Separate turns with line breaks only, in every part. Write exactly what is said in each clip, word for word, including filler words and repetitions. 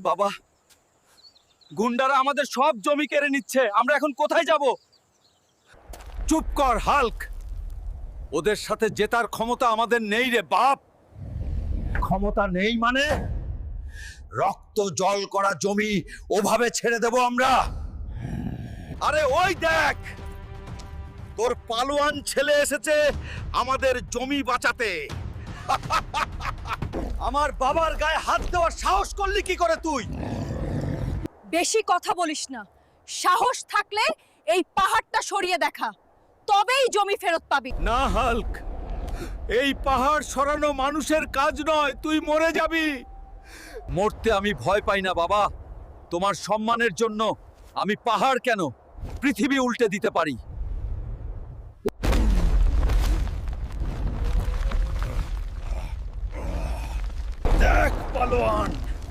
বাবা, গুন্ডারা আমাদের সব জমি কেড়ে নিচ্ছে। আমরা এখন কোথায় যাব? চুপ কর হাল্ক। ওদের সাথে জেতার ক্ষমতা আমাদের নেই রে বাপ।
ক্ষমতা নেই মানে? রক্ত জল করা জমি ওভাবে ছেড়ে দেব আমরা?
আরে ওই দেখ, তোর পালোয়ান ছেলে এসেছে আমাদের জমি বাঁচাতে। আমার বাবার গায়ে হাত দেওয়ার সাহস করলি কি করে তুই?
বেশি কথা বলিস না। সাহস থাকলে এই পাহাড়টা সরিয়ে দেখা, তবেই জমি ফেরত পাবি।
না হাল্ক, এই পাহাড় সরানো মানুষের কাজ নয়, তুই মরে যাবি। মরতে আমি ভয় পাই না বাবা। তোমার সম্মানের জন্য আমি পাহাড় কেন, পৃথিবী উল্টে দিতে পারি। দেখ পালোয়ান,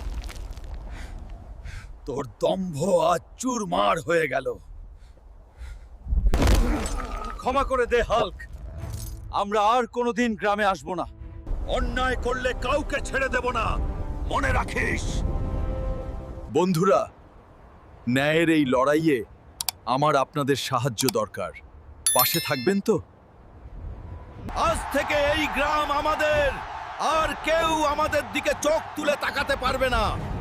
তোর দম্ভ আজ চুরমার হয়ে গেল। ক্ষমা করে দে হাল্ক, আমরা আর কোনোদিন গ্রামে আসব না। অন্যায় করলে কাউকে ছেড়ে দেব না, মনে রাখিস। বন্ধুরা, ন্যায়ের এই লড়াইয়ে আমার আপনাদের সাহায্য দরকার। পাশে থাকবেন তো? আজ থেকে এই গ্রাম আমাদের, আর কেউ আমাদের দিকে চোখ তুলে তাকাতে পারবে না।